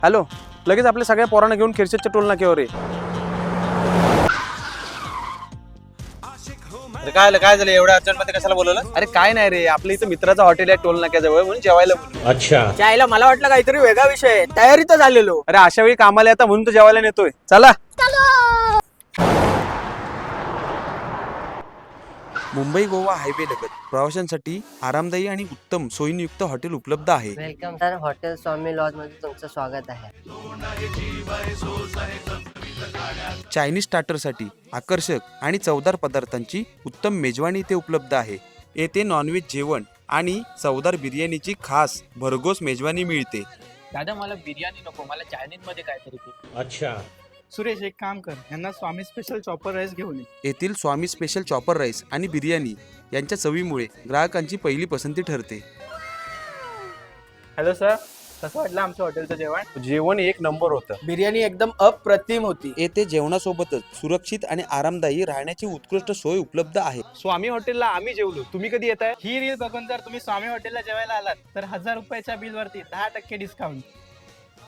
Hello, लगेच आपल्या सगळ्या पोरांना घेऊन खिरशेच्या टोल नाक्यावर ये. काय झालं एवढ्या अर्जंट मध्ये कशाला बोलवलं? अरे काय नाही रे, आपल्या इथं मित्राचं हॉटेल आहे टोल नाक्याजवळ, म्हणून जेवायला बोलवलं. अच्छा. त्याला मला वाटलं काहीतरी वेगळा विषय आहे. तयारी तर झालेलो. अरे अशा वेळी कामाला येता म्हणून तर जेवायला नेतोय. चला. मुंबई गोवा हायवे लगत प्रवाशांसाठी आरामदायी आणि उत्तम सोयींयुक्त हॉटेल उपलब्ध आहे. Welcome sir, hotel Swami lodge मध्ये तुमचं स्वागत आहे. चायनीज स्टार्टरसाठी आकर्षक आणि चवदार पदार्थांची उत्तम मेजवानी इथे उपलब्ध आहे. येथे नॉनव्हेज जेवण आणि चवदार बिर्याणीची खास भरघोस मेजवानी मिळते. दादा मला बिर्याणी नको, मला चायनीज मध्ये काहीतरी दे. अच्छा. सुरेश एक काम कर, यांना स्वामी स्पेशल चॉपर राईस घेऊन ये. येथील स्वामी स्पेशल चॉपर राईस आणि बिर्याणी यांच्या चवीमुळे ग्राहकांची पहिली पसंती ठरते. हॅलो सर, कसं वाटलं आमच्या हॉटेलचं जेवण? जेवण एक नंबर होतं. बिर्याणी एकदम अप्रतिम होती. येथे जेवणासोबतच सुरक्षित आणि आरामदायी राहण्याची उत्कृष्ट सोय उपलब्ध आहे. स्वामी हॉटेलला आम्ही जेवलो, तुम्ही कधी येताय? ही रील बघून जर तुम्ही स्वामी हॉटेलला जेवायला आलात तर 1000 रुपयाच्या बिल वरती 10% डिस्काउंट.